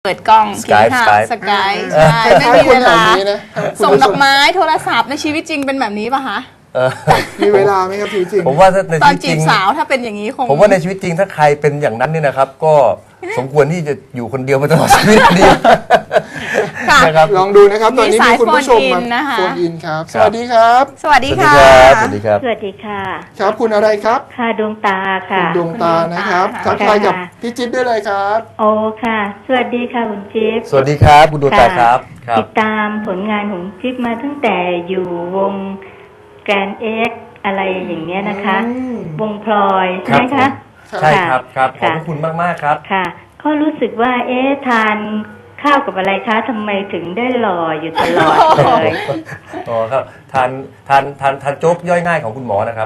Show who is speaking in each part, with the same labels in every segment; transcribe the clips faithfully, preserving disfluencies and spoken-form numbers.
Speaker 1: เปิดกล้องกินข้าวสกายใช่ไม่มีเวลาส่งดอกไม้โทรศัพท์ในชีวิตจริงเป็นแบบนี้ป่ะคะ
Speaker 2: มีเวลาไหมครับชีวิตจริง
Speaker 3: ผมว่าถ้าใน
Speaker 1: ตอ
Speaker 3: ชี
Speaker 1: น
Speaker 3: วิตจ
Speaker 1: จี
Speaker 3: ริง
Speaker 1: บสาวถ้าเป็นอย่างนี้คง
Speaker 3: ผมว่าในชีวิตจริงถ้าใครเป็นอย่างนั้นเนี่ยนะครับก็สมควรที่จะอยู่คนเดียวมาตลอดชีวิตดี
Speaker 2: นะครับลองดูนะครับตอนนี้มีคุณผู้ชมมาโฟนอินครับสวัสดีครับ
Speaker 1: สวัสดีค่ะ
Speaker 3: สวัสดีครับ
Speaker 4: สวัสดีค่ะ
Speaker 2: ครับคุณอะไรครับ
Speaker 4: ค่ะดวงตาค่ะ
Speaker 2: คุณดวงตานะครับทักทายกับพี่จิ๊บได้เลยครับ
Speaker 4: โอ้ค่ะสวัสดีค่ะคุณจิ๊บ
Speaker 3: สวัสดีครับคุณดวงตาครับ
Speaker 4: ติดตามผลงานของจิ๊บมาตั้งแต่อยู่วงแกรนเอ็กอะไรอย่างเงี้ยนะคะวงพลอยใช่ไหมคะ
Speaker 3: ใช่ครับครับขอบคุณมากมากครับ
Speaker 4: ค่ะก็รู้สึกว่าเอ๊ะทานข้าวกับอะไรคะทำไมถึงได้หล่ออยู่ตลอดเลย
Speaker 3: อ๋อครับทานทานทานทานโจ๊กย่อยง่ายของคุณหมอนะครับ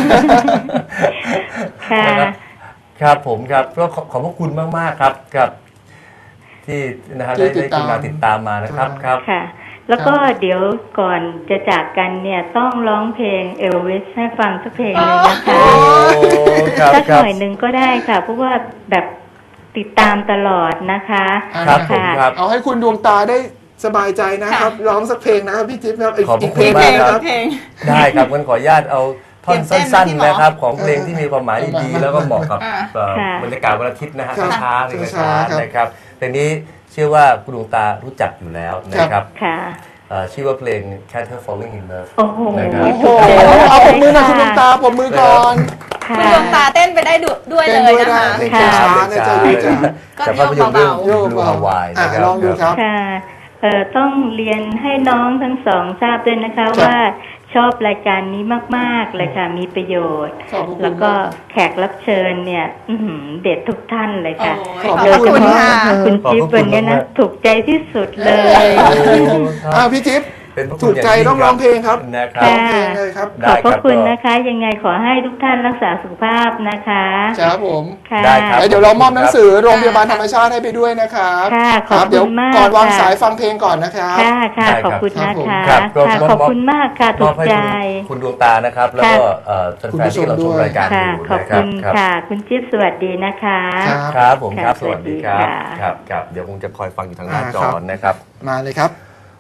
Speaker 4: ค่ะ
Speaker 3: ครับผมครับก็ขอบพระคุณมากมากครับกับที่นะฮะได้ได้คุณมาติดตามมานะครับครับ
Speaker 4: ค่ะแล้วก็เดี๋ยวก่อนจะจากกันเนี่ยต้องร้องเพลงเอลวิสให้ฟังสักเพลงหนึ่งนะคะสักหน่อยหนึ่งก็ได้ค่ะเพราะว่าแบบติดตามตลอดนะคะ
Speaker 3: ครับผมครับ
Speaker 2: เอาให้คุณดวงตาได้สบายใจนะครับร้องสักเพลงนะครับพี่จิ๊บครับ
Speaker 3: อีกเพลงนะครับได้ครับงั้นขออนุญาตเอาท่อนสั้นๆนะครับของเพลงที่มีความหมายดีๆแล้วก็เหมาะกับบรรยากาศวันอาทิตย์นะฮะช้าๆเลยนะครับเพลงนี้เชื่อว่าคุณดวงตารู้จักอยู่แล้วนะครับชื่อว่าเพลง Can't Help Falling in Love
Speaker 4: โอ้โห
Speaker 2: เอาผมมือหน่อยคุณดวงตาผมมือก่อน
Speaker 1: คุณดวงตาเต้นไปได้ด้วยเลยนะคะ
Speaker 2: ช้าๆนะจะอยู่จะ
Speaker 3: แต่ภาพยนตร์เรื่อง Blue Hawaii นะครับ
Speaker 2: ลองดูครับ
Speaker 4: ค่ะต้องเรียนให้น้องทั้งสองทราบด้วยนะคะว่าชอบรายการนี้มากๆเลยค่ะมีประโยชน์แล้วก็แขกรับเชิญเนี่ยเด็ดทุกท่านเลยค่ะ
Speaker 1: โดยเฉพาะ
Speaker 4: คุณจิ๊บวันนี้นะถูกใจที่สุดเลย
Speaker 2: อ้าวพี่จิ๊บถูกใจต้องร้องเพลงครับ
Speaker 3: ร้องเพลง
Speaker 2: เลยครับ
Speaker 4: ขอบพระคุณนะคะยังไงขอให้ทุกท่านรักษาสุขภาพนะคะ
Speaker 2: ครับผม
Speaker 3: ได้ครับ
Speaker 2: เดี๋ยวเรามอบหนังสือโรงพยาบาลธรรมชาติให้ไปด้วยนะครับ
Speaker 4: ค่ะขอบคุณมาก
Speaker 2: เดี๋ยวก่อนวางสายฟังเพลงก่อนนะครับ
Speaker 4: ค่ะค่ะขอบคุณนะคะขอบคุณมากค่ะถูกใจ
Speaker 3: คุณดวงตานะครับแล้วก็แฟนๆที่เราชมรายการอยู่
Speaker 4: ขอบคุณค่ะคุณจิ๊บสวัสดีนะคะ
Speaker 3: ครับผมครับสวัสดีครับครับครับเดี๋ยวคงจะคอยฟังอยู่ทางหน้าจอนะครับ
Speaker 2: มาเลยครับ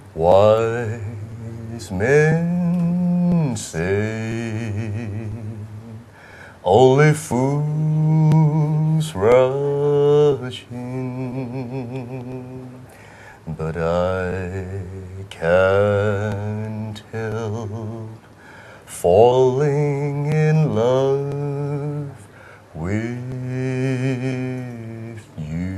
Speaker 3: Wise men say only fools rush in, but I can't help falling in love with you.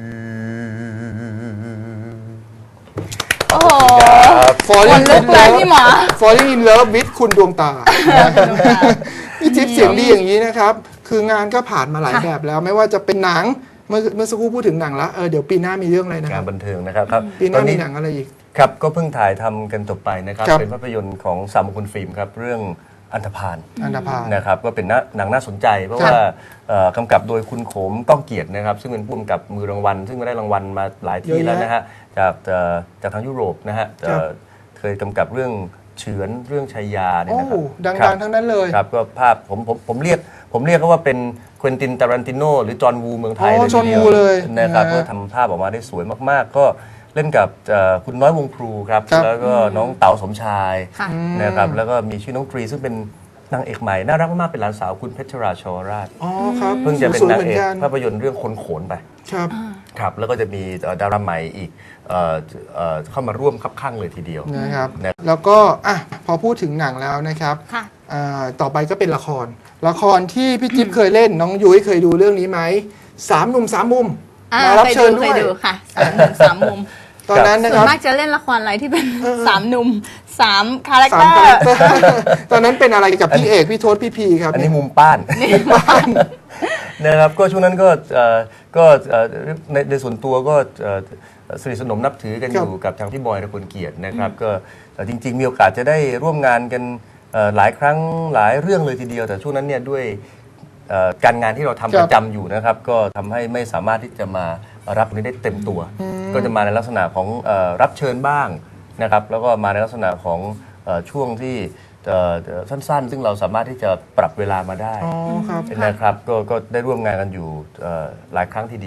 Speaker 1: โอ้โห
Speaker 2: Falling in
Speaker 1: Love พี่หมอ
Speaker 2: Falling in Love with คุณดวงตาพี่จิ๊บเสียงดีอย่างนี้นะครับคืองานก็ผ่านมาหลายแบบแล้วไม่ว่าจะเป็นหนังเมื่อเมื่อสักครู่พูดถึงหนังแล้วเออเดี๋ยวปีหน้ามีเรื่องอะไรนะ
Speaker 3: งานบันเทิงนะครับ
Speaker 2: ปีหน้ามีหนังอะไรอีก
Speaker 3: ครับก็เพิ่งถ่ายทำกันจบไปนะครับเป็นภาพยนตร์ของสามมงคลฟิล์มครับเรื่องอันธพาล
Speaker 2: อันธพาล
Speaker 3: นะครับก็เป็นหนังน่าสนใจเพราะว่ากำกับโดยคุณโขมก้องเกียรตินะครับซึ่งเป็นผู้กำกับมือรางวัลซึ่งได้รางวัลมาหลายที่แล้วนะฮะจากจากทางยุโรปนะฮะเคยกำกับเรื่องเฉือนเรื่องชัยยาเนี่ยนะครับ
Speaker 2: ดังๆทั้งนั้นเลย
Speaker 3: ครับก็ภาพผมผมผมเรียกผมเรียกเขาว่าเป็นควินติน ตารันติโนหรือจอห์นวูเมืองไทยเลยทีเดียวนะครับก็ทำภาพออกมาได้สวยมากๆก็เล่นกับคุณน้อยวงพลูครับแล้วก็น้องเต๋าสมชายนะครับแล้วก็มีชื่อน้องตรีซึ่งเป็นนางเอกใหม่น่ารักมากๆเป็นหลานสาวคุณเพชรราชวราชเพิ่งจะเป็นนางเอกภาพยนตร์เรื่องคนโขนไป
Speaker 2: ครับ
Speaker 3: ครับแล้วก็จะมีดาราใหม่อีกเข้ามาร่วมคับข้างเลยทีเดียว
Speaker 2: นะครับแล้วก็อ่ะพอพูดถึงหนังแล้วนะครับต่อไปก็เป็นละครละครที่พี่จิ๊บเคยเล่นน้องยุ้ยเคยดูเรื่องนี้ไหมสามหนุ่มสามมุมมารับเชิญด้วย
Speaker 1: ค่ะสามหนุ่มสามมุม
Speaker 2: ตอนนั้นนะครับ
Speaker 1: ส่วนมากจะเล่นละครอะไรที่เป็นสามหนุ่มสามคาแรคเตอร์
Speaker 2: ตอนนั้นเป็นอะไรกับพี่เอกพี่โทษพี่พีครับ
Speaker 3: อันนี้มุมป้านนะครับก็ช่วงนั้นก็ก็ในในส่วนตัวก็สนิทสนมนับถือกันอยู่กับทางพี่บอยตระกูลเกียรตินะครับก็จริงๆมีโอกาสจะได้ร่วมงานกันหลายครั้งหลายเรื่องเลยทีเดียวแต่ช่วงนั้นเนี่ยด้วยการงานที่เราทำประจำอยู่นะครับก็ทำให้ไม่สามารถที่จะมารับนี้ได้เต็มตัวก็จะมาในลักษณะของรับเชิญบ้างนะครับแล้วก็มาในลักษณะของช่วงที่ สั้นๆซึ่งเราสามารถที่จะปรับเวลามาได้นะครับก็ก็ได้ร่วมงานกันอยู่หลายครั้งทีเดียว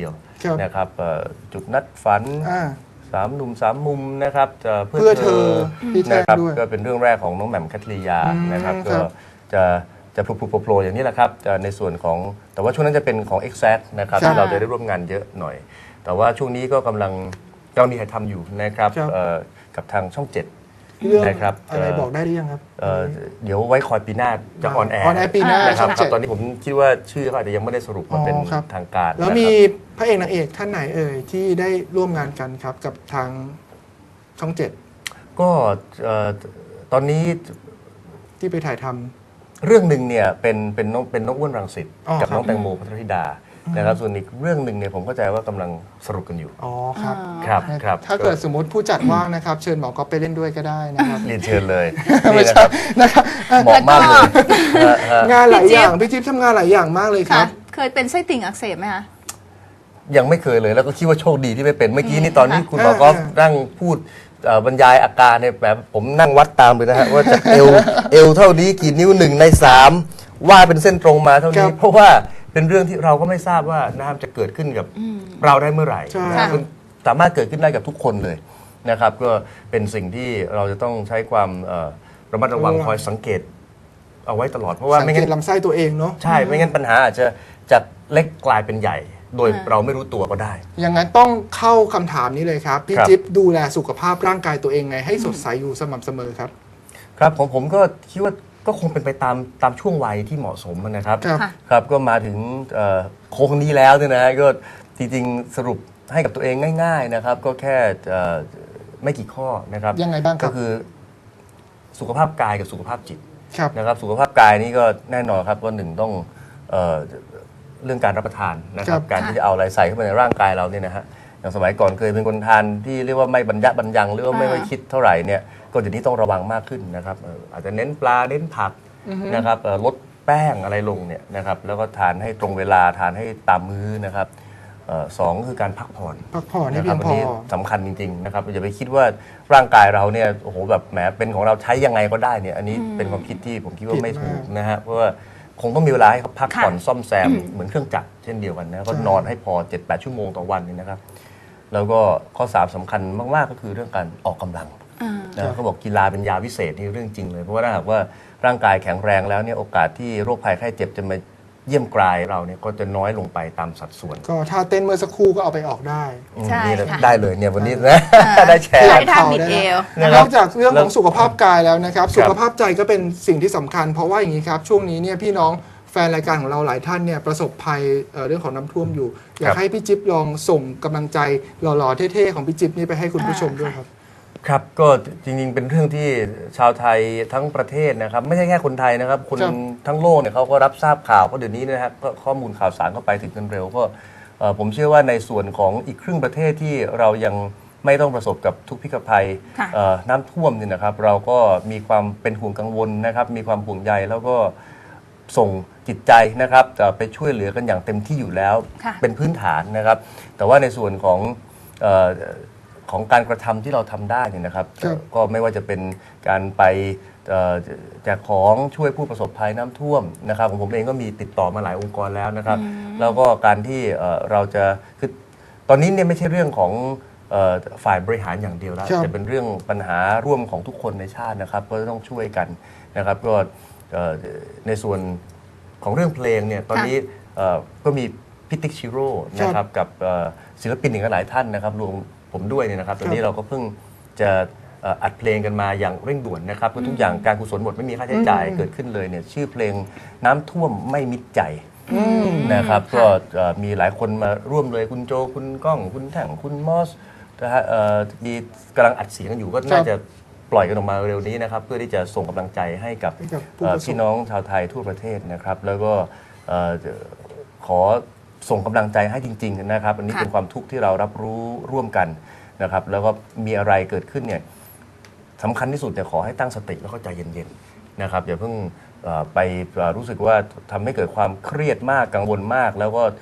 Speaker 2: ครับ
Speaker 3: นะครับเอ่อจุดนัดฝัน
Speaker 2: อ่า
Speaker 3: สามหนุ่มสามมุมนะครับเอ่อ
Speaker 2: เพื่อเธอพี่แท่ง
Speaker 3: นะครับ
Speaker 2: ด้วย
Speaker 3: ก็เป็นเรื่องแรกของน้องแหม่มคัทริยา
Speaker 2: อืม
Speaker 3: นะครับ
Speaker 2: ครั
Speaker 3: ก็
Speaker 2: บ
Speaker 3: จะจะพลุโผล่ๆอย่างนี้แหละครับจะในส่วนของแต่ว่าช่วงนั้นจะเป็นของ Exact นะครับ
Speaker 2: ครับ
Speaker 3: ที่เราจะได้ร่วมงานเยอะหน่อย แต่ว่าช่วงนี้ก็กำลังกำลังมีถ่ายทำอยู่นะครับ
Speaker 2: ครับ
Speaker 3: เอ่อกับทางช่องเจ็ด
Speaker 2: เรื่อง
Speaker 3: นะครับ
Speaker 2: อะไร
Speaker 3: เอ่อ
Speaker 2: บอกได้หรือยังครับ
Speaker 3: เอ่อเดี๋ยวไว้คอยปีหน้าจะออนแอร์
Speaker 2: on air ปีหน้า
Speaker 3: นะครับ
Speaker 2: ช่อง
Speaker 3: ครั
Speaker 2: เจ็
Speaker 3: บ
Speaker 2: ด
Speaker 3: ตอนนี้ผมคิดว่าชื่อเขาอาจจะยังไม่ได้สรุปมาเป็น
Speaker 2: อ๋อครับ
Speaker 3: ทางการ
Speaker 2: แล้ว
Speaker 3: นะครับ
Speaker 2: มีพระเอกนางเอกท่านไหนเอ่ยที่ได้ร่วมงานกันครับกับทางช่องเจ็ด
Speaker 3: ก็เอ่อตอนนี้
Speaker 2: ที่ไปถ่ายทำ
Speaker 3: เรื่องหนึ่งเนี่ยเป็นเป็นน้องเป็นน้องอ้วนรังสิต
Speaker 2: อ๋อ
Speaker 3: กับ
Speaker 2: ครับ
Speaker 3: น้องแตงโมพัทรธิดานะครับส่วนอีกเรื่องหนึ่งเนี่ยผมเข้าใจว่ากำลังสรุปกันอยู่
Speaker 2: อ๋อครับ
Speaker 3: ครับครับ
Speaker 2: ถ้าเกิดสมมติผู้จัดว่างนะครับ เชิญหมอก๊อฟไปเล่นด้วยก็ได้นะครับ
Speaker 3: เรียนเชิญเลย
Speaker 2: ไม่
Speaker 3: นี่นะ
Speaker 2: ใช่
Speaker 3: ครับ
Speaker 2: นะครับ
Speaker 3: เหมาะมากเลยฮะฮะ
Speaker 2: งานหลาย
Speaker 1: พี่จิ๊บ
Speaker 2: อย่างพี่จิ๊บทำงานหลายอย่างมากเลยค
Speaker 1: ค่ะ
Speaker 2: รับ
Speaker 1: เคยเป็นไส้ติ่งอักเสบไหมคะ
Speaker 3: ยังไม่เคยเลยแล้วก็คิดว่าโชคดีที่ไม่เป็นเมื่อกี้นี่ตอนที่
Speaker 1: ค่ะ
Speaker 3: คุณหมอก็
Speaker 2: อ่า
Speaker 3: นั่งพูดเอ่อบรรยายอาการเนี่ยแบบผมนั่งวัดตามเลยนะฮะว่าจากเอวเอวเท่านี้กี่นิ้วหนึ่งในสามว่าเป็นเส้นตรงมาเท่านี้ เพราะว่าเป็นเรื่องที่เราก็ไม่ทราบว่านะครับจะเกิดขึ้นกับเราได้เมื่อไหร่
Speaker 2: ใช่
Speaker 3: นะครับมันสามารถเกิดขึ้นได้กับทุกคนเลยนะครับ ก็เป็นสิ่งที่เราจะต้องใช้ความเอ่อระมัดระวังคอยสังเกตเอาไว้ตลอดเพราะว่า
Speaker 2: สัง
Speaker 3: ไม่
Speaker 2: เก
Speaker 3: งั้
Speaker 2: ต
Speaker 3: น
Speaker 2: ลำไส้ตัวเองเนาะ
Speaker 3: ใช่ไม่งั้นปัญหาอาจจะจากเล็กกลายเป็นใหญ่ โดย
Speaker 1: อ่า
Speaker 3: เราไม่รู้ตัวก็ได้
Speaker 2: อย่างนั้นต้องเข้าคำถามนี้เลยครับ พี่
Speaker 3: ครับ
Speaker 2: จิ๊บดูแลสุขภาพร่างกายตัวเองไงให้สดใสอยู่สม่ำเสมอครับ
Speaker 3: ครับผมผมก็คิดว่าก็คงเป็นไปตามตามช่วงวัยที่เหมาะสมนะครับ
Speaker 2: ครับ
Speaker 1: ค่ะ
Speaker 3: ครับก็มาถึงเอ่อโค้งนี้แล้วเนี่ยนะฮะก็จริงๆสรุปให้กับตัวเองง่าย ๆนะครับ ก็แค่เอ่อไม่กี่ข้อนะครับ
Speaker 2: ยังไงบ้างครับ
Speaker 3: ก็คือสุขภาพกายกับสุขภาพจิต
Speaker 2: ครับ
Speaker 3: นะครับสุขภาพกายนี่ก็แน่นอนครับว่าหนึ่งต้องเอ่อเรื่องการรับประทานนะครับ
Speaker 2: ครับ
Speaker 3: การที่จะเอาอะไรใส่เข้าไปในร่างกายเราเนี่ยนะฮะอย่างสมัยก่อนเคยเป็นคนทานที่เรียกว่าไม่บรรยะบรรยังหรือว่าไม่ค่อยคิดเท่าไหร่เนี่ยก็เดี๋ยวนี้ต้องระวังมากขึ้นนะครับเอ่ออาจจะเน้นปลาเน้นผักนะครับเอ่อลดแป้งอะไรลงเนี่ยนะครับแล้วก็ทานให้ตรงเวลาทานให้ตามมื้อนะครับเอ่อสองคือการพักผ่อน
Speaker 2: พักผ่อนให้
Speaker 3: นะค
Speaker 2: เพี
Speaker 3: รั
Speaker 2: ย
Speaker 3: บ
Speaker 2: ง
Speaker 3: อั
Speaker 2: พ
Speaker 3: น
Speaker 2: อ
Speaker 3: นี้สำคัญจริงๆนะครับอย่าไปคิดว่าร่างกายเราเนี่ยโอ้โหแบบแหมเป็นของเราใช้ยังไงก็ได้เนี่ยอันนี้เป็นความคิดที่ผมคิดว่า
Speaker 2: ผิด
Speaker 3: ไม่ถูก
Speaker 2: มาก
Speaker 3: นะฮะเพราะว่าคงต้องมีเวลาให้เขาพัก
Speaker 1: ค่ะ
Speaker 3: ผ่อนซ่อมแซมเหมือนเครื่องจักรเช่นเดียวกันนะก็
Speaker 2: ใช่
Speaker 3: นอนให้พอ เจ็ดแปด ชั่วโมงต่อวันเนี่ยนะครับ แล้วก็ข้อสามสำคัญมากๆก็คือเรื่องการออกกำลัง
Speaker 1: อ่า
Speaker 3: นะเขาบอกกีฬาเป็นยาวิเศษนี่เรื่องจริงเลยเพราะว่าถ้าหากว่าร่างกายแข็งแรงแล้วเนี่ยโอกาสที่โรคภัยไข้เจ็บจะมาเยี่ยมกรายเราเนี่ยก็จะน้อยลงไปตามสัดส่วน
Speaker 2: ก็ถ้าเต้นเมื่อสักครู่ก็เอาไปออกได้
Speaker 1: ใช่
Speaker 3: นี่แหละ
Speaker 1: ค่ะ
Speaker 3: ได้เลยเนี่ยวันนี้นะได้แชร์
Speaker 1: ใช้ท่าบิดเอว
Speaker 3: นะ
Speaker 2: น
Speaker 3: ครับ
Speaker 2: อกจากเรื่องของสุขภาพกายแล้วนะครับ
Speaker 3: ครับ
Speaker 2: สุขภาพใจก็เป็นสิ่งที่สำคัญ เพราะว่าอย่างนี้ครับ ช่วงนี้เนี่ยพี่น้องแฟนรายการของเราหลายท่านเนี่ยประสบภัยเอ่อเรื่องของน้ำท่วมอยู่ อยากให้พี่จิ๊บลองส่งกำลังใจหล่อๆเท่ๆของพี่จิ๊บนี่ไปให้คุณผู้ชมด้วยครับ
Speaker 3: ครับก็จริงๆเป็นเรื่องที่ชาวไทยทั้งประเทศนะครับไม่ใช่แค่คนไทยนะครับคน
Speaker 2: ครับ
Speaker 3: ทั้งโลกเนี่ยเขาก็รับทราบข่าวเพราะเดี๋ยวนี้นะครับก็ข้อมูลข่าวสารเข้าไปถึงกันเร็วก็เอ่อผมเชื่อว่าในส่วนของอีกครึ่งประเทศที่เรายังไม่ต้องประสบกับทุกพิกภัย
Speaker 1: ค่ะ
Speaker 3: เอ่อน้ำท่วมเนี่ยนะครับเราก็มีความเป็นห่วงกังวลนะครับมีความห่วงใยแล้วก็ส่งจิตใจนะครับจะไปช่วยเหลือกันอย่างเต็มที่อยู่แล้ว
Speaker 1: ค่ะ
Speaker 3: เป็นพื้นฐานนะครับ แต่ว่าในส่วนของเอ่อของการกระทำที่เราทำได้เนี่ยนะครับ
Speaker 2: ครับ
Speaker 3: ก็ไม่ว่าจะเป็นการไปเอ่อแจกของช่วยผู้ประสบภัยน้ำท่วมนะครับของผมเองก็มีติดต่อมาหลายองค์กรแล้วนะครับ แล้วก็การที่เอ่อเราจะคือตอนนี้เนี่ยไม่ใช่เรื่องของเอ่อฝ่ายบริหารอย่างเดียวแล้ว
Speaker 2: ครับ
Speaker 3: แต่เป็นเรื่องปัญหาร่วมของทุกคนในชาตินะครับ ก็ต้องช่วยกันนะครับก็เอ่อในส่วนของเรื่องเพลงเนี่ยตอนนี้เอ่อก็มีพิติกชิโร่นะครับกับเอ่อศิลปินอีกหลายท่านนะครับรวมผมด้วยเนี่ยนะครับตอนนี้เราก็เพิ่งจะเอ่ออัดเพลงกันมาอย่างเร่งด่วนนะครับก็ทุกอย่างการกุศลหมดไม่มีค่าใช้จ่ายเกิดขึ้นเลยเนี่ยชื่อเพลงน้ำท่วมไม่มิดใจนะครับก็เอ่อมีหลายคนมาร่วมเลยคุณโจคุณก้องคุณแท่งคุณมอสนะฮะเอ่อมีกำลังอัดเสียงกันอยู่ก็น่าจะปล่อยกันออกมาเร็วนี้นะครับเพื่อที่จะส่งกำลังใจให้กับ
Speaker 2: ให้กับผู้
Speaker 3: เอ่อ
Speaker 2: ประสบ
Speaker 3: พี่น้องชาวไทยทั่วประเทศนะครับ แล้วก็เอ่อขอส่งกำลังใจให้จริง ๆ นะครับ อันนี้
Speaker 1: ค่ะ
Speaker 3: เป็นความทุกข์ที่เรารับรู้ร่วมกันนะครับ แล้วก็มีอะไรเกิดขึ้นเนี่ยสำคัญที่สุดเนี่ยขอให้ตั้งสติแล้วก็ใจเย็นๆนะครับอย่าเพิ่งเอ่อไปเอ่อรู้สึกว่าทำให้เกิดความเครียดมากกังวลมาก แล้วก็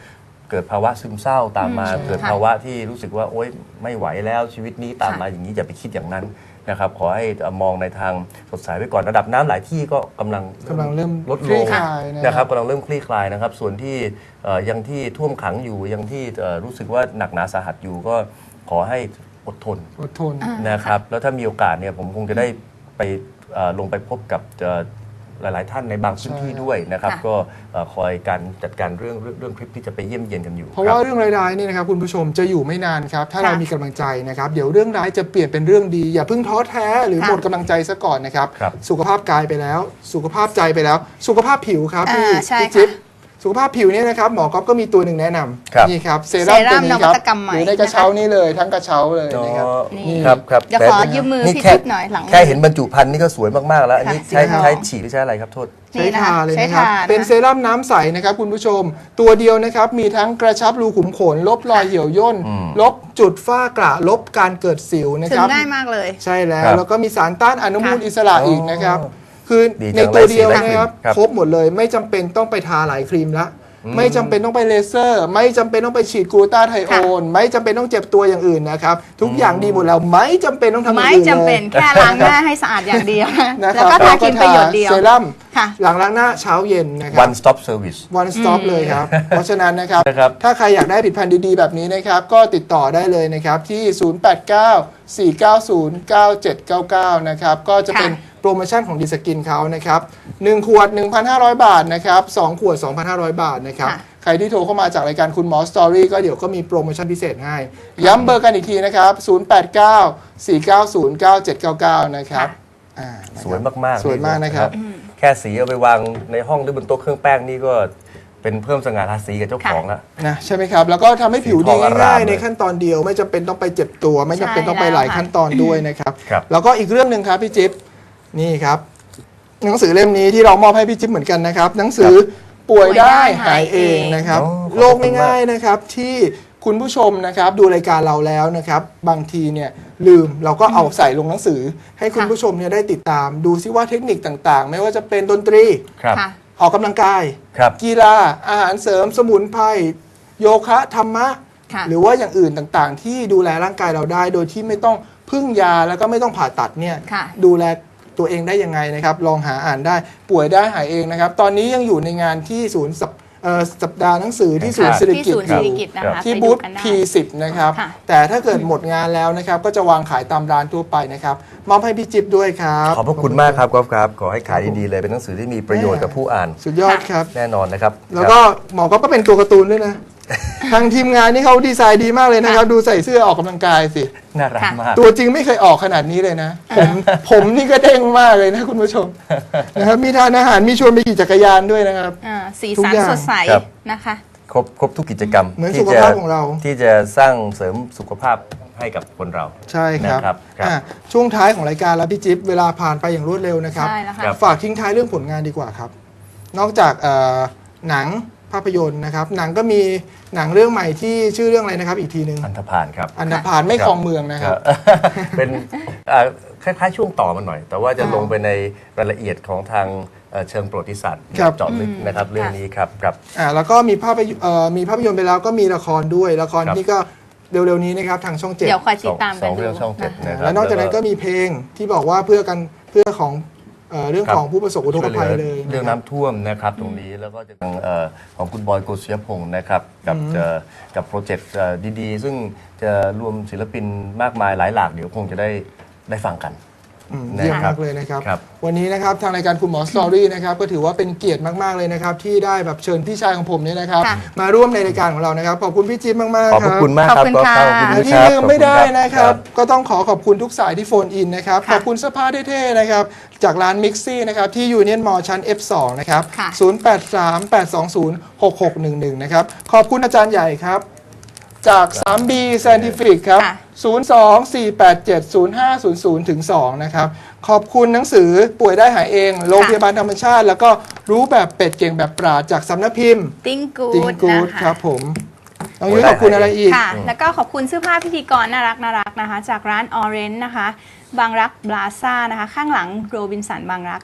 Speaker 3: เกิดภาวะซึมเศร้าตามมา
Speaker 1: อืม
Speaker 3: เกิด
Speaker 1: ค่ะ
Speaker 3: ภาวะที่รู้สึกว่าโอ๊ยไม่ไหวแล้วชีวิตนี้ตามมา
Speaker 1: ค่ะ
Speaker 3: อย่างนี้อย่าไปคิดอย่างนั้นนะครับขอให้มองในทางสดใสไว้ก่อนระดับน้ำหลายที่ก็กำลัง
Speaker 2: กำลังเริ่ม
Speaker 3: ลด
Speaker 2: ค
Speaker 3: ล
Speaker 2: ลี่
Speaker 3: ง
Speaker 2: คลายนะ
Speaker 3: นะครับกำลังเริ่มคลี่คลายนะครับส่วนที่เอ่อยังที่ท่วมขังอยู่ยังที่เอ่อรู้สึกว่าหนักหนาสาหัสอยู่ก็ขอให้อดทน
Speaker 2: อดทน
Speaker 3: นะครับแล้วถ้ามีโอกาสเนี่ยผมคงจะได้ไปเอ่อลงไปพบกับเอ่อหลาย ๆ ท่านในบางพื้นที่
Speaker 2: ใช่
Speaker 3: ด้วยนะครับ
Speaker 1: ค่ะ
Speaker 3: ก็เอ่อคอยการจัดการเรื่องเรื่องเรื่องคลิปที่จะไปเยี่ยมเยียนกันอยู่
Speaker 2: เพราะว่าเรื่องร้ายๆนี่นะครับคุณผู้ชมจะอยู่ไม่นานครับ ถ้า
Speaker 1: ค่ะ
Speaker 2: เรามีกำลังใจนะครับ เดี๋ยวเรื่องร้ายจะเปลี่ยนเป็นเรื่องดี อย่าเพิ่งท้อแท้หรือ
Speaker 1: ค่ะ
Speaker 2: หมดกำลังใจซะก่อนนะครับ
Speaker 3: ครับ
Speaker 2: สุขภาพกายไปแล้ว สุขภาพใจไปแล้ว สุขภาพผิวครับ
Speaker 1: อ่า
Speaker 2: พี่
Speaker 1: ใช่
Speaker 2: พี่
Speaker 1: ค่ะ
Speaker 2: จิ๊บสุขภาพผิวเนี่ยนะครับหมอก๊อฟก็มีตัวหนึ่งแนะน
Speaker 3: ครับ
Speaker 2: ำนี่ครับเซรั่ม
Speaker 1: เซรั่
Speaker 2: ตัว
Speaker 1: ม
Speaker 2: นี้
Speaker 1: น
Speaker 2: ค
Speaker 1: วั
Speaker 2: รับ
Speaker 1: ตกรรมใหม่
Speaker 2: อยู่ในกระเช้านี่เลยทั้งกระเช้าเลยนะครับ
Speaker 1: นี่
Speaker 3: ครับครับ
Speaker 1: เดี๋ยวขอยืมมือ
Speaker 3: นี่
Speaker 1: พี่
Speaker 3: แค่
Speaker 1: จิ๊บหน่อยหลัง
Speaker 3: แค่เห็นบรรจุภัณฑ์นี่ก็สวยมาก ๆ แล้ว อันนี้
Speaker 1: ค่ะ
Speaker 3: ใช้
Speaker 1: สีขาว
Speaker 3: ใช้ฉีดหรือใช้อะไรครับโทษ
Speaker 2: ใช้
Speaker 1: นี่นะคะ
Speaker 2: ทาเลย
Speaker 1: ใช้
Speaker 2: นะครับ
Speaker 1: ทา
Speaker 2: เป็น
Speaker 1: นะ
Speaker 2: เซรั่มน้ำใสนะครับคุณผู้ชม ตัวเดียวนะครับมีทั้งกระชับรูขุมขน ลบรอยเหี่ยวย่น
Speaker 3: อืม
Speaker 2: ลบจุดฝ้ากระลบการเกิดสิวนะ
Speaker 1: ถึ
Speaker 2: ค
Speaker 1: ง
Speaker 2: รับ
Speaker 1: ง่ายมากเลย
Speaker 2: ใช่แล้ว
Speaker 3: ครับ
Speaker 2: แล้วก็มีสารต้านอนุมูล
Speaker 1: ค่ะ
Speaker 2: อิสระ
Speaker 3: อ๋ออี
Speaker 2: อีกนะครับ คือ
Speaker 3: ดีจัง
Speaker 2: ในตัวเดียว
Speaker 3: ไร้สี
Speaker 2: นะครับ
Speaker 3: ครับ
Speaker 2: ครบหมดเลยไม่จำเป็นต้องไปทาหลายครีมละไม่จำเป็นต้องไปเลเซอร์ ไม่จำเป็นต้องไปฉีดกลูตาไทโอน ไม่จำเป็นต้องเจ็บตัวอย่างอื่นนะครับ ทุกอย่างดีหมดแล้วไม่จำเป็นต้องทำอย่าง
Speaker 1: ไม่
Speaker 2: อื่นเลย
Speaker 1: จำเป็นแค่ล้างหน้าให้สะอาดอย่างเดียว
Speaker 2: นะ
Speaker 1: แล้ว
Speaker 2: ครับ
Speaker 1: ก็ทาครีมประโยชน์เดียว
Speaker 2: เซรั่ม
Speaker 1: ค่ะ
Speaker 2: หลังล้างหน้าเช้าเย็นนะครับ
Speaker 3: one stop service
Speaker 2: one stop เลยครับ เพราะฉะนั้นนะครับ
Speaker 3: นะครับ
Speaker 2: ถ้าใครอยากได้ผลิตภัณฑ์ดีๆ แบบนี้นะครับ ก็ติดต่อได้เลยนะครับ ที่ ศูนย์ แปด เก้า สี่ เก้า ศูนย์ เก้า เจ็ด เก้า เก้า นะครับ ก็จะเป็น
Speaker 1: ค่ะ
Speaker 2: โปรโมชั่นของดีสกินเขานะครับ หนึ่ง ขวด หนึ่งพันห้าร้อย บาทนะครับ สอง ขวด สองพันห้าร้อย บาทนะครับ
Speaker 1: ค่ะ
Speaker 2: ใครที่โทรเข้ามาจากรายการคุณหมอสตอรี่ก็เดี๋ยวก็มีโปรโมชั่นพิเศษให้ ย้ำเบอร์กันอีกทีนะครับ ศูนย์ แปด เก้า สี่ เก้า ศูนย์ เก้า เจ็ด เก้า เก้า นะครับอ่านะครับ
Speaker 3: สวยมากๆ
Speaker 2: สวยมากนะครับ
Speaker 3: แค่สีเอาไปวางในห้องหรือบนโต๊ะเครื่องแป้งนี่ก็เป็นเพิ่มสง่าราศีกับเจ้าของละ
Speaker 2: นะใช่ไหมครับ แล้วก็ทำให้ผิว
Speaker 3: สีท
Speaker 2: ดี
Speaker 3: องอร่าม
Speaker 2: ง่ายๆ
Speaker 3: เลย
Speaker 2: ในขั้นตอนเดียว ไม่จำเป็นต้องไปเจ็บตัว ไม่จำเป็น
Speaker 1: ใช่
Speaker 2: ต้องไปหลาย
Speaker 1: แล้วค่ะ
Speaker 2: ขั้นตอนด้วยนะครับ
Speaker 3: ครับ
Speaker 2: แล้วก็อีกเรื่องหนึ่งครับพี่จิ๊บนี่ครับ หนังสือเล่มนี้ที่เรามอบให้พี่จิ๊บเหมือนกันนะครับ หนังสือป่วยได้หายเองนะครับ
Speaker 3: อ๋อขอบคุณ
Speaker 2: โลกง่ายๆนะครับที่คุณผู้ชมนะครับดูรายการเราแล้วนะครับ บางทีเนี่ยลืมเราก็เอาใส่ลงหนังสือ ให้คุณ
Speaker 1: ค่ะ
Speaker 2: ผู้ชมเนี่ยได้ติดตาม ดูซิว่าเทคนิคต่างๆ ไม่ว่าจะเป็นดนตรี
Speaker 3: ครับ
Speaker 1: ค่ะ
Speaker 2: ออกกำลังกาย
Speaker 3: ครับ
Speaker 2: กีฬาอาหารเสริมสมุนไพรโยคะธรรมะ
Speaker 1: ค่ะ
Speaker 2: หรือว่าอย่างอื่นต่างๆ ที่ดูแลร่างกายเราได้ โดยที่ไม่ต้องพึ่งยาแล้วก็ไม่ต้องผ่าตัดเนี่ย
Speaker 1: ค่ะ
Speaker 2: ดูแลตัวเองได้ยังไงนะครับ ลองหาอ่านได้ป่วยได้หายเองนะครับ ตอนนี้ยังอยู่ในงานที่ศูนย์สัปเอ่อสัปดาห์หนังสือที่ศูนย์
Speaker 3: ครับ
Speaker 2: สิริ
Speaker 1: ที่
Speaker 2: กิติ์
Speaker 1: ศูนย์
Speaker 2: อ
Speaker 1: ศิริ
Speaker 2: ยู่
Speaker 1: กิติ์นะคะ
Speaker 2: ที่
Speaker 1: ไป
Speaker 2: บู
Speaker 1: ดู
Speaker 2: ธ
Speaker 1: กันได้
Speaker 2: พี สิบ นะครับ
Speaker 1: ค่ะ
Speaker 2: แต่ถ้าเกิดหมดงานแล้วนะครับ ก็จะวางขายตามร้านทั่วไปนะครับมอบให้พี่จิ๊บด้วยครับ
Speaker 3: ขอบพระคุณมากครับกอล์ฟครับขอให้ขายดีๆเลยเป็นหนังสือที่มีประโยชน์กับผู้อ่าน
Speaker 2: สุดยอดครับ
Speaker 3: แน่นอนนะครับ
Speaker 2: แล้วก็หมอก็เป็นตัวการ์ตูนด้วยนะ ทางทีมงานนี่เขาดีไซน์ดีมากเลยนะครับ ดูใส่เสื้อออกกำลังกายสิ
Speaker 3: น่ารักมาก
Speaker 2: ตัวจริงไม่เคยออกขนาดนี้เลยนะ ผมผมนี่ก็เด้งมากเลยนะคุณผู้ชมนะครับมีทานอาหารมีชวนไปขี่จักรยานด้วยนะครับ
Speaker 1: อ่าสี
Speaker 2: ทุก
Speaker 1: สัน
Speaker 2: อย่าง
Speaker 1: สดใส
Speaker 3: ครับ
Speaker 1: นะคะ
Speaker 3: ครบครบทุกกิจกรรม
Speaker 2: เหมือน
Speaker 3: ที่
Speaker 2: สุข
Speaker 3: จะ
Speaker 2: ภาพของเรา
Speaker 3: ที่จะสร้างเสริมสุขภาพให้กับคนเรา
Speaker 2: ใช่ครับ
Speaker 3: นะครับครับ
Speaker 2: อ่ะช่วงท้ายของรายการแล้วพี่จิ๊บเวลาผ่านไปอย่างรวดเร็วนะครับ
Speaker 1: ใช่แล้วค่ะ
Speaker 3: ครับ
Speaker 2: ฝากทิ้งท้ายเรื่องผลงานดีกว่าครับ นอกจากเอ่อหนังภาพยนตร์นะครับ หนังก็มีหนังเรื่องใหม่ที่ชื่อเรื่องอะไรนะครับ อีกทีหนึ่ง
Speaker 3: อันธพาลครับ
Speaker 2: อันดาพานไม่คลองเมืองนะครับ
Speaker 3: เป็นอ่าคล้ายๆช่วงต่อมันหน่อย แต่ว่าจะ
Speaker 2: อ่า
Speaker 3: ลงไปในรายละเอียดของทางเอ่อเชิงประวัติศาสตร์
Speaker 2: ครับ
Speaker 3: เจาะลึกนะครับเรื่องนี้ครับครับ
Speaker 2: อ่าแล้วก็มีภาพยเอ่อมีภาพยนตร์ไปแล้วก็มีละครด้วยละคร
Speaker 3: ครับ
Speaker 2: นี่ก็เร็วๆนี้นะครับทางช่องเจ็ด
Speaker 1: เดี๋ยวคอยติดตาม
Speaker 3: ส
Speaker 1: กั
Speaker 3: อน ง
Speaker 1: ดู
Speaker 3: เรื่องช่องเจ็ด
Speaker 1: นะ
Speaker 3: นะครับ
Speaker 2: แล้วนอกจากนั้นก็มีเพลงที่บอกว่าเพื่อกันเพื่อของเอ่อเรื่อง
Speaker 3: ครับ
Speaker 2: ของผู้ประสบอุทกภัยเลย
Speaker 3: เรื่อง
Speaker 2: นะครับ
Speaker 3: น้ำท่วมนะครับตรงนี้แล้วก็จะทางเอ่อของคุณบอยโกศยพงศ์นะครับกับเอ่อกับโปรเจกต์เอ่อดีๆ ซึ่งจะรวมศิลปินมากมายหลายหลากเดี๋ยวคงจะได้ได้ฟังกัน
Speaker 2: อืม
Speaker 3: นะครับ
Speaker 2: เยี่ยมมากเลยนะครับ
Speaker 3: ครับ
Speaker 2: วันนี้นะครับทางรายการคุณหมอสตอรี่นะครับก็ถือว่าเป็นเกียรติมากๆเลยนะครับที่ได้แบบเชิญพี่ชายของผมเนี่ยนะครับ
Speaker 1: ค่ะ
Speaker 2: มาร่วมในรายการของเรานะครับขอบคุณพี่จิ๊บมากๆ
Speaker 3: ขอบ
Speaker 2: ค
Speaker 3: พระ
Speaker 2: รับ
Speaker 3: คุณมากครับ
Speaker 1: ขอบคุณ
Speaker 3: ก็
Speaker 1: ค่ะ
Speaker 3: ขอบคุณ
Speaker 2: และ
Speaker 3: ด้วย
Speaker 2: ที่
Speaker 3: ครับ
Speaker 2: ลืมไม่ได้นะครับ
Speaker 3: ขอ
Speaker 2: ก็ต้องขอขอบคุณทุกสายที่โฟนอินนะครับ
Speaker 1: ค่ะ
Speaker 2: ขอบคุณเสื้อผ้าเท่ๆนะครับจากร้านมิกซี่นะครับที่ยูเนียนมอชั้น เอฟ สอง นะครับ
Speaker 1: ค่ะ
Speaker 2: ศูนย์ แปด สาม แปด สอง ศูนย์ หก หก หนึ่ง หนึ่งนะครับขอบคุณอาจารย์ใหญ่ครับจาก ทรี บี Scientific ครับ
Speaker 1: ค่ะ
Speaker 2: ศูนย์ สอง สี่ แปด เจ็ด ศูนย์ ห้า ศูนย์ ศูนย์ ถึง สอง นะครับ ขอบคุณหนังสือป่วยได้หายเอง โรงพยาบาลธรรมชาติ แล้วก็รู้แบบเป็ดเก่งแบบปราดจากสำนักพิมพ์
Speaker 1: ติ้งกู
Speaker 2: ติง
Speaker 1: ด
Speaker 2: กูด
Speaker 1: นะ
Speaker 2: ครั
Speaker 1: คะ
Speaker 2: บผมน้องยุ้ยขอบคุณอะไรอีก
Speaker 1: ค่ะ แล้วก็ขอบคุณเสื้อผ้าพิธีกรน่ารักน่ารักนะคะ จากร้านออเรนจ์นะคะ บางรักบลาซ่านะคะ ข้างหลังโรบินสันบางรักค่ะ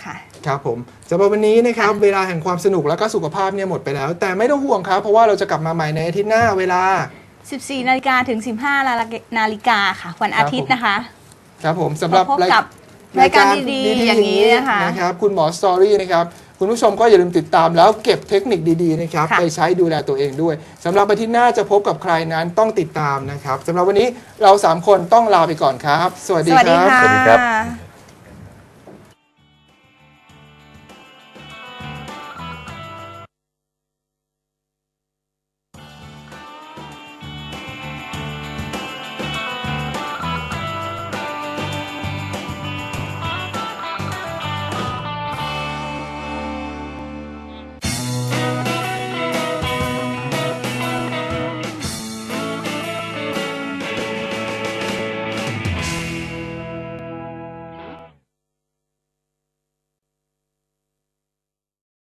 Speaker 2: ครับผมสำหรับวันนี้นะครับเวลาแห่งความสนุกและก็สุขภาพเนี่ยหมดไปแล้ว แต่ไม่ต้องห่วงครับเพราะว่าเราจะกลับมาใหม่ในอาทิตย์หน้าเวลา
Speaker 1: สิบสี่นาฬิกาถึง สิบห้านาฬิกาค่ะวันอาทิตย์นะคะ
Speaker 2: ครับผมสำหรับ
Speaker 1: พบกับรายการดีๆอย่างนี้นะคะ
Speaker 2: นะครับคุณหมอสตอรี่นะครับคุณผู้ชมก็อย่าลืมติดตามแล้วเก็บเทคนิคดีๆนะครับ
Speaker 1: ค่ะ
Speaker 2: ไปใช้ดูแลตัวเองด้วยสำหรับอาทิตย์หน้าจะพบกับใครนั้นต้องติดตามนะครับสำหรับวันนี้เราสามคนต้องลาไปก่อนครับ สวัสดี
Speaker 1: สวัส
Speaker 2: ค
Speaker 1: ดี
Speaker 2: รับ
Speaker 1: ค่ะ
Speaker 3: สวัสดีครับ